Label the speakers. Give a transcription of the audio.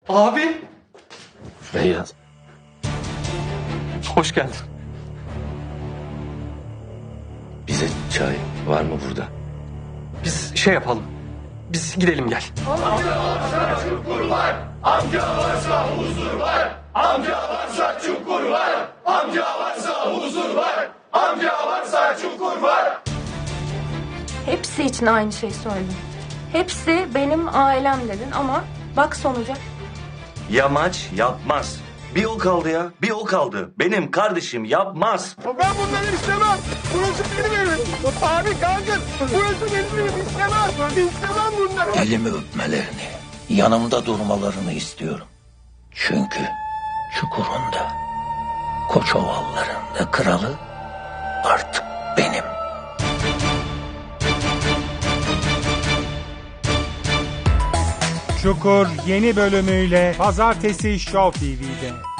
Speaker 1: Abi.
Speaker 2: Beyaz.
Speaker 1: Hoş geldin.
Speaker 2: Bize çay var mı burada?
Speaker 1: Biz şey yapalım. Biz gidelim gel.
Speaker 3: Hepsi için aynı şey söyledim. Hepsi benim ailem dedin ama bak sonuca.
Speaker 2: Yamaç yapmaz. Bir o kaldı ya. Bir o kaldı. Benim kardeşim yapmaz.
Speaker 4: Ben bunları istemem. Burası benim evim. Abi kanka burası benim evim. İstemem. İstemem bunları.
Speaker 5: Elimi öpmelerini, yanımda durmalarını istiyorum. Çünkü Çukur'un da, Koçovalların da kralı artık benim.
Speaker 6: Çukur yeni bölümüyle Pazartesi Show TV'de.